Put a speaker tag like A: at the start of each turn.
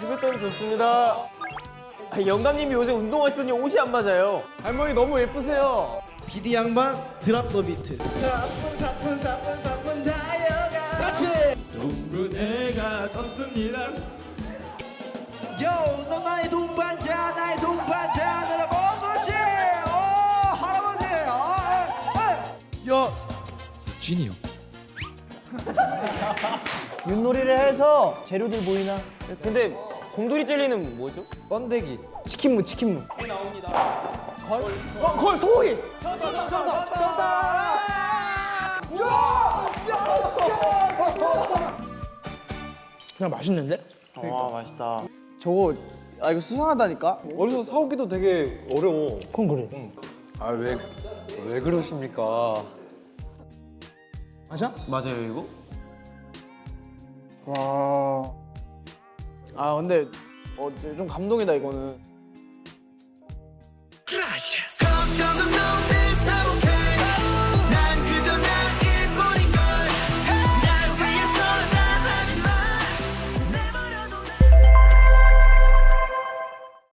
A: 피부톤 좋습니다. 영감님이 요새 운동하시더니 옷이 안 맞아요. 할머니 너무 예쁘세요.
B: 비디 양반 드랍 더 비트. 사뿐 달려가. 같이.
A: 동근해가 떴습니다.
B: 요, 너 나의 동반자, 나의 동반자, 너를 먹었지. 할아버지. 야, 진이 형.
C: 윷놀이를 해서 재료들 보이나?
A: 근데 곰돌이 젤리는 뭐죠?
B: 번데기.
C: 치킨무, 치킨무.
A: 걸 소고기.
C: 그냥 맛있는데?
A: 와 맛있다.
C: 저거 이거 수상하다니까?
D: 어디서 사오기도 되게 어려워.
C: 그건 그래.
D: 아, 왜 그러십니까?
C: 맞아?
A: 맞아요 이거?
C: 와. 아 근데 좀 감동이다 이거는.
B: Gracias.